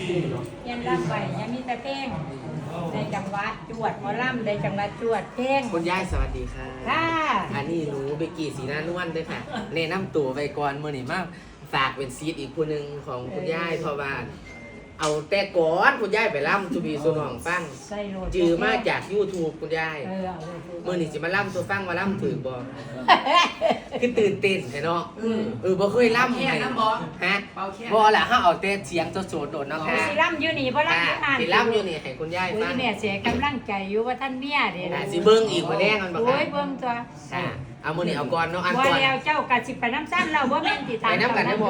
เฮียนล่ำไปยังมีแต่เพลงในจังหวัดจวดหมอล่ำในจังหวัดจวดเพลงคุณยายสวัสดีค่ะค่ะอันนี้หนูเบกกี้สีหน้านวลด้วยค่ะแนะนำตัวไปก่อนมื่อนี้มากฝากเป็นซีดอีกคนหนึ่งของคุณยายเพราะว่าเอาแต่ก่อนคุณยายไปล่ำทูบีสุนองฟังใส่โหลดจือมาจาก YouTube คุณยายเอาเลยมื่อนี้จะมาล่ำตัวฟังมาล่ำถือบ่คือตื่นเต้นเนาะบ่เคยล่ำแค่น้ำบ่ฮะเป่าแค่บ่ล่ะเฮาเอาแต่เสียงโสดๆโดดเนาะค่ะสิล่ำอยู่นี่บ่ล่ำอยู่นั่นสิล่ำอยู่นี่ให้คุณยายโอ้ฟัยงแม่เสียกำลังใจอยู่ว่าท่านเมียเด้สิเบิ่งอีกบ่แน่มันบ่โอ้ค่ะยเบิ่งตัวค่ะเอามื้อนี้เอาก่อนเนาะอันว่าก่อนแล้วเจ้ากะสิไปน้ำซ้ำเราบ่แม่นสิไปน้ำกันได้บ่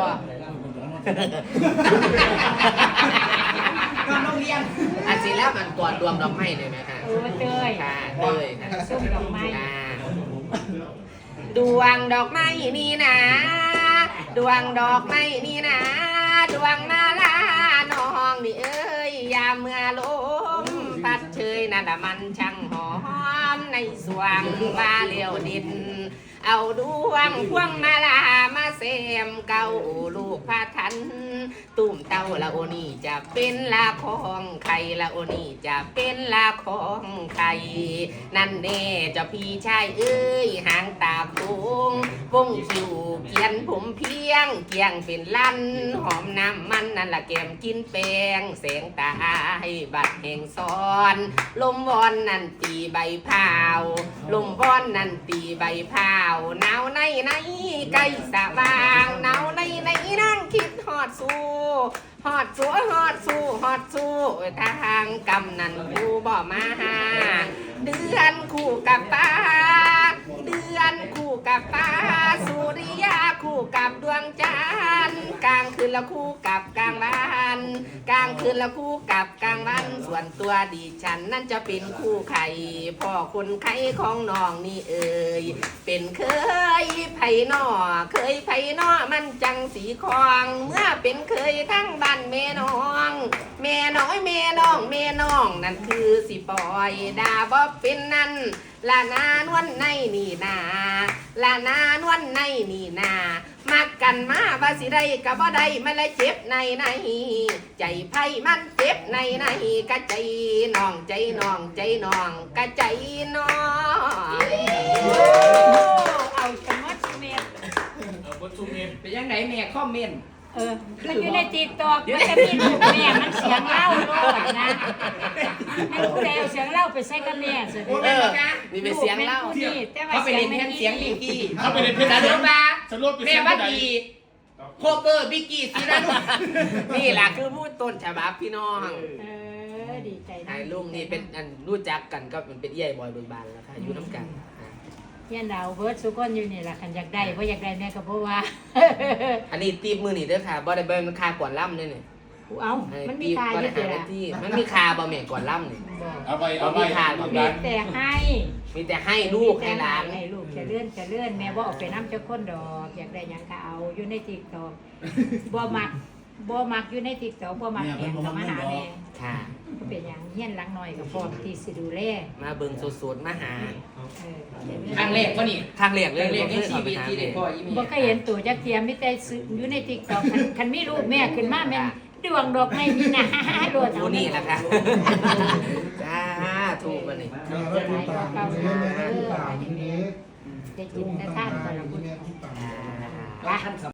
นอนโรงเรียนอันสิแล้วมันก่อนรวมดอกไม้ได้ไหมคะเออเตยค่ะเต้ยค่ะส้มดอกไม้ดวงดอกไม้นี่นะดวงดอกไม้นี่นะดวงนาลาน้องนี่เอ้ยยามเมื่อลมพัดเชยนั่นน่ะมันช่างหอมในสวงว่าเลี้ยวดิน เอาดวงพวงมาลามาเสมเก้าลูกพระทันตุ่มเต้าละโอนี่จะเป็นละของใครละโอนี่จะเป็นละของใครนั่นแน่เจ้าพี่ชายเอ้ยหางตาโค้งวงคิวเขียนผมเพียงเกียงเป็นลั่นหอมน้ำมันนั่นละแก้มกินแป้งแสงตาให้บัดแห่งซ้อนลมวอนนั่นตีใบพาวลมวอนนั่นตีใบพาวหนาวในใกล้สว่างหนาวในนั่งคิดฮอดสู้ฮอดสู้ฮอดสู้ฮอดสู้ทางกำนันกูบ่มาหาเดือนคู่กับป้าเดือนคู่กับป้าสุริยาคู่กับดวงจันทร์กลางคืนละคู่กับกลางวันกลางคืนละคู่กับกลางวันส่วนตัวดิฉันนั่นจะเป็นคู่ไข่พ่อคนไข่ของน้องนี่เอ่ยเป็นเคยไผ่นอเคยไผ่นอมันจังสีคองเมื่อเป็นเคยทั้งบ้านแม่น้องแม่น้อยแม่น้องแม่น้องนั่นคือสิปล่อยดาบ่เป็นนั่นลานานวลในนี่นาลานานวลในนี่นามักกันมาว่าสิได้ก็บ่ได้มันเลยเจ็บในใจไผมันเจ็บในกะใจน้องใจน้องใจน้องกะใจน้องเอาสมัดเมตรเป็นยังไงแม่คอมเมนต์มันอยู่ในติ๊กต็อกมันจะมีลูกแม่มันเสียงเล่าโลดนะให้ผู้ใดเอาเสียงเล่าไปใส่กับแม่สินี่เป็นเสียงเล่าเขาไปเล่นแทนเสียงบิกกี้เขาไปเล่นเพลงแต่เรื่องว่าสรุปเป็นแม่เสียงว่าผู้ใดดีโคเกอร์บิกกี้สีนั้นนี่แหละคือพูดต้นฉบับพี่น้องดีใจนะไอ้ลุงนี่เป็นอันรู้จักกันก็เป็นเอี้ยบอยเบิกบานแล้วค่ะอยู่น้ำกันเฮียนดาวเบิร์ดสุกคนอยู่นี่แหละคันอยากได้เพราะอยากได้แม่ก็เพราะว่าอันนี้ตีบมือนี่เด้อค่ะบ่ได้เบิ่งมันคาก่อนล่ำเลยนี่เอ้ามันมีตีบตายบ่อได้ยู่หาเดีหน้าที่มันมีคาบ่แม่ก่อนล่ำนี่เอาไปเอาไปมีแต่ให้มีแต่ให้ลูกให้หลานให้ลูกจะเลื่อนแม่บ่เอาไปน้ำเจ้าคนดอกอยากได้หยังก็เอาอยู่ในติ๊กต็อกบ่มักอยู่ในติ๊กต็อกบ่มักแอบเข้ามาหาแม่ค่ะก็เป็นอย่างเฮี้ยนหลังหน่อยกับพร้อมที่สิดูแลมาเบิ่งสดๆมาหาครั้งแรกวะนี่ทางเรียกคเลรั้ยงแรกในบ่ชีเควิยตเข้าไปหาที่ได้พ่อยี่เมีบ่เคยเห็นตัวจักเทียมมีแต่อยู่ในติ๊กต็อกคันมีรูปแม่ขึ้นมาแม่นดวงดอกไม้นี่นะโดดผู้นี่แหละค่ะจ้าถูกมันนี่ได้กินได้ทานกันละคุณท่าน